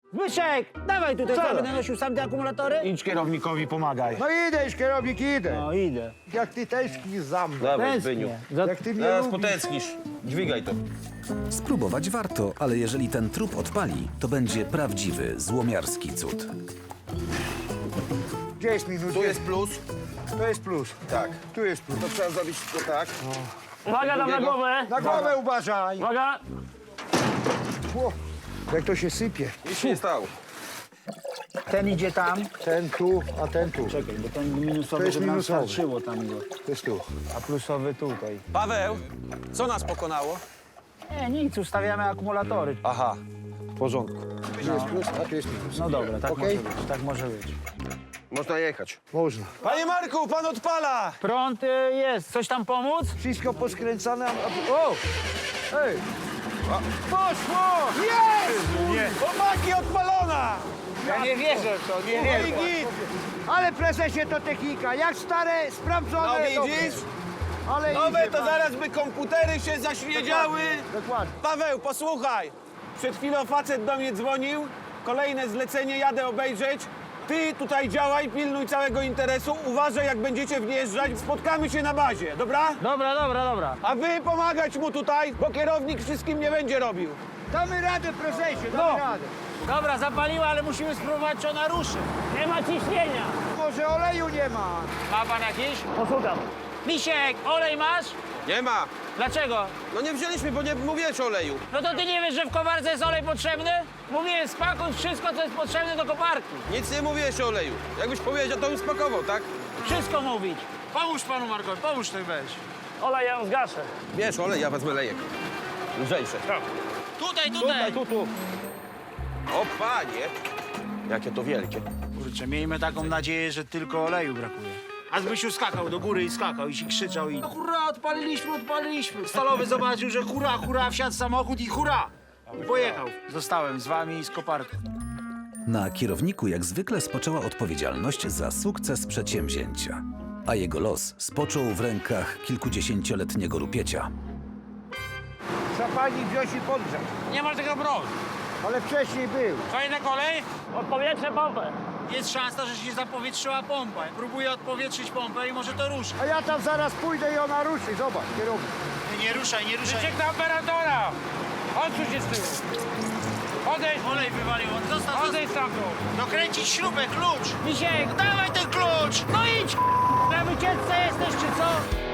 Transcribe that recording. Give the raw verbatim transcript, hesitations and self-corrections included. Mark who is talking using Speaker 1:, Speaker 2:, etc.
Speaker 1: Zbyszek, dawaj tutaj, co, będę nosił sam te akumulatory?
Speaker 2: Idź kierownikowi, pomagaj.
Speaker 3: No idę, już kierownik, idę.
Speaker 1: No idę.
Speaker 3: Jak ty tęsknisz za mną.
Speaker 4: Dawaj, Zbyniu.
Speaker 1: Tęsknię. Za...
Speaker 3: Jak ty mnie
Speaker 4: Zaraz
Speaker 3: lubisz.
Speaker 4: potęsknisz. Dźwigaj to.
Speaker 5: Spróbować warto, ale jeżeli ten trup odpali, to będzie prawdziwy, złomiarski cud.
Speaker 3: Gdzie jest minus?
Speaker 4: Tu jest plus.
Speaker 3: To jest plus.
Speaker 4: Tak.
Speaker 3: Tu jest plus.
Speaker 4: To trzeba zrobić to tak.
Speaker 1: Uwaga, dam na głowę.
Speaker 3: Na głowę uważaj.
Speaker 1: Uwaga.
Speaker 3: O, jak to się sypie.
Speaker 4: Nic się nie stało.
Speaker 1: Ten idzie tam.
Speaker 3: Ten tu, a ten tu.
Speaker 1: Czekaj, bo ten minusowy,
Speaker 3: To jest
Speaker 1: żeby nam
Speaker 3: minusowy.
Speaker 1: starczyło tam go.
Speaker 3: To jest tu.
Speaker 1: A plusowy tutaj.
Speaker 2: Paweł, co nas pokonało?
Speaker 1: Nie, nic, ustawiamy akumulatory.
Speaker 2: Aha.
Speaker 3: W porządku. Tu jest plus, a tu jest minus.
Speaker 1: No dobra, tak
Speaker 3: Okej?
Speaker 1: może być, tak może być.
Speaker 4: Można jechać.
Speaker 3: Można.
Speaker 2: Panie Marku, pan odpala!
Speaker 1: Prąd y, jest. Coś tam pomóc?
Speaker 3: Wszystko poskręcane. a- O! Ej! Poszło! Jest!
Speaker 2: Nie. Chłopaki, odpalona!
Speaker 1: Ja nie wierzę w to, nie
Speaker 2: No i git.
Speaker 3: Ale prezesie to technika. Jak stare, sprawdzone.
Speaker 2: No
Speaker 3: dobre.
Speaker 2: widzisz?
Speaker 3: Ale
Speaker 2: Nowe
Speaker 3: idzie
Speaker 2: to
Speaker 3: pan.
Speaker 2: zaraz by komputery się zaświedziały.
Speaker 3: Dokładnie.
Speaker 2: Paweł, posłuchaj. Przed chwilą facet do mnie dzwonił. Kolejne zlecenie, jadę obejrzeć. Ty tutaj działaj, pilnuj całego interesu. Uważaj, jak będziecie wjeżdżać. Spotkamy się na bazie, dobra?
Speaker 1: Dobra, dobra, dobra.
Speaker 2: A wy pomagać mu tutaj, bo kierownik wszystkim nie będzie robił.
Speaker 3: Damy radę, prezesie, damy
Speaker 2: No.
Speaker 3: radę.
Speaker 1: Dobra, zapaliła, ale musimy spróbować, czy ona ruszy. Nie ma ciśnienia.
Speaker 3: Może oleju nie ma.
Speaker 1: Ma pan jakiś? Poszukam. Misiek, olej masz?
Speaker 4: Nie ma.
Speaker 1: Dlaczego?
Speaker 4: No nie wzięliśmy, bo nie mówiłeś o oleju.
Speaker 1: No to ty nie wiesz, że w koparce jest olej potrzebny? Mówiłem, spakuj wszystko, co jest potrzebne do koparki.
Speaker 4: Nic nie mówiłeś o oleju. Jakbyś powiedział, to bym spakował, tak?
Speaker 1: Wszystko mówić. Pomóż panu Markowi, pomóż ty weź. Olej ja ją zgaszę.
Speaker 4: Wiesz, olej, ja wezmę lejek. Lżejsze.
Speaker 1: Tutaj, tutaj.
Speaker 4: Tutaj, tu, tu. O, panie. Jakie to wielkie.
Speaker 6: Kurczę, miejmy taką nadzieję, że tylko oleju brakuje. A Zbysiu skakał do góry i skakał i się krzyczał i... Hurra, odpaliliśmy, odpaliliśmy. Stalowy zobaczył, że hurra, hurra, wsiadł w samochód i hurra. I pojechał. Zostałem z wami i z koparką.
Speaker 5: Na kierowniku jak zwykle spoczęła odpowiedzialność za sukces przedsięwzięcia, a jego los spoczął w rękach kilkudziesięcioletniego rupiecia.
Speaker 3: Trzeba pani wziąć i podgrzać.
Speaker 1: Nie ma tego broń.
Speaker 3: Ale wcześniej był.
Speaker 1: Co jednak olej? Odpowietrzę pompę.
Speaker 6: Jest szansa, że się zapowietrzyła pompa. Próbuję odpowietrzyć pompę i może to ruszy.
Speaker 3: A ja tam zaraz pójdę i ona ruszy. Zobacz, kierownik.
Speaker 6: Nie, nie ruszaj, nie ruszaj.
Speaker 1: Wyciek na operatora. Odsuń się z tyłu. Odejdź.
Speaker 6: Olej wywalił, on został...
Speaker 1: Odejdź stamtąd.
Speaker 6: Dokręcić śrubę, klucz.
Speaker 1: Misiek,
Speaker 6: Dawaj ten klucz!
Speaker 1: no idź. Na wycieczce jesteś, czy co?